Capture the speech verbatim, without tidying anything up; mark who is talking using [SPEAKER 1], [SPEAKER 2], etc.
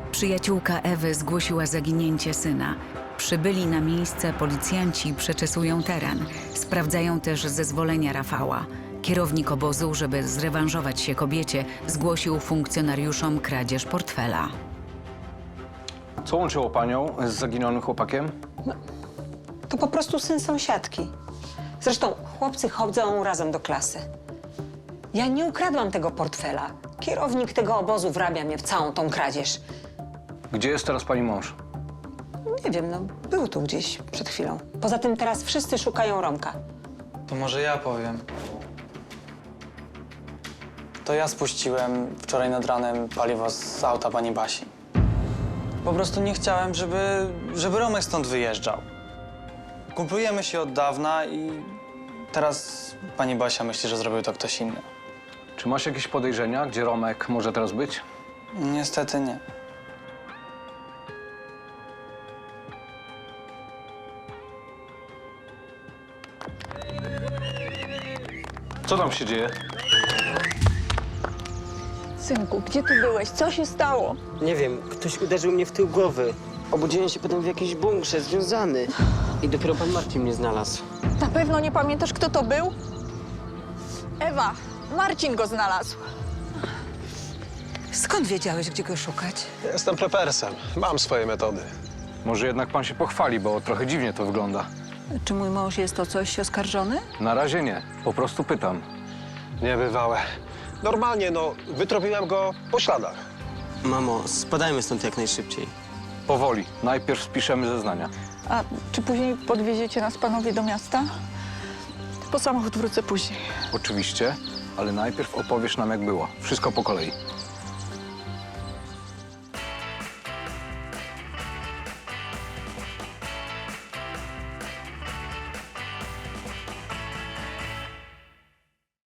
[SPEAKER 1] Przyjaciółka Ewy zgłosiła zaginięcie syna. Przybyli na miejsce policjanci przeczesują teren. Sprawdzają też zezwolenia Rafała. Kierownik obozu, żeby zrewanżować się kobiecie, zgłosił funkcjonariuszom kradzież portfela.
[SPEAKER 2] Co łączyło panią z zaginionym chłopakiem?
[SPEAKER 3] To po prostu syn sąsiadki. Zresztą chłopcy chodzą razem do klasy. Ja nie ukradłam tego portfela. Kierownik tego obozu wrabia mnie w całą tą kradzież.
[SPEAKER 2] Gdzie jest teraz pani mąż?
[SPEAKER 3] Nie wiem, no był tu gdzieś przed chwilą. Poza tym teraz wszyscy szukają Romka.
[SPEAKER 4] To może ja powiem. To ja spuściłem wczoraj nad ranem paliwo z auta pani Basi. Po prostu nie chciałem, żeby, żeby Romek stąd wyjeżdżał. Kumplujemy się od dawna i teraz pani Basia myśli, że zrobił to ktoś inny.
[SPEAKER 2] Czy masz jakieś podejrzenia, gdzie Romek może teraz być?
[SPEAKER 4] Niestety nie.
[SPEAKER 2] Co tam się dzieje?
[SPEAKER 5] Synku, gdzie ty byłeś? Co się stało?
[SPEAKER 6] Nie wiem, ktoś uderzył mnie w tył głowy. Obudziłem się potem w jakiejś bunkrze, związany. I dopiero pan Marcin mnie znalazł.
[SPEAKER 5] Na pewno nie pamiętasz, kto to był? Ewa, Marcin go znalazł.
[SPEAKER 3] Skąd wiedziałeś, gdzie go szukać?
[SPEAKER 7] Jestem prepersem. Mam swoje metody.
[SPEAKER 2] Może jednak pan się pochwali, bo trochę dziwnie to wygląda.
[SPEAKER 5] Czy mój mąż jest o coś oskarżony?
[SPEAKER 2] Na razie nie. Po prostu pytam.
[SPEAKER 7] Niebywałe. Normalnie, no, wytropiłem go po śladach.
[SPEAKER 6] Mamo, spadajmy stąd jak najszybciej.
[SPEAKER 2] Powoli. Najpierw spiszemy zeznania.
[SPEAKER 5] A czy później podwieziecie nas panowie do miasta? Po samochód wrócę później.
[SPEAKER 2] Oczywiście, ale najpierw opowiesz nam, jak było. Wszystko po kolei.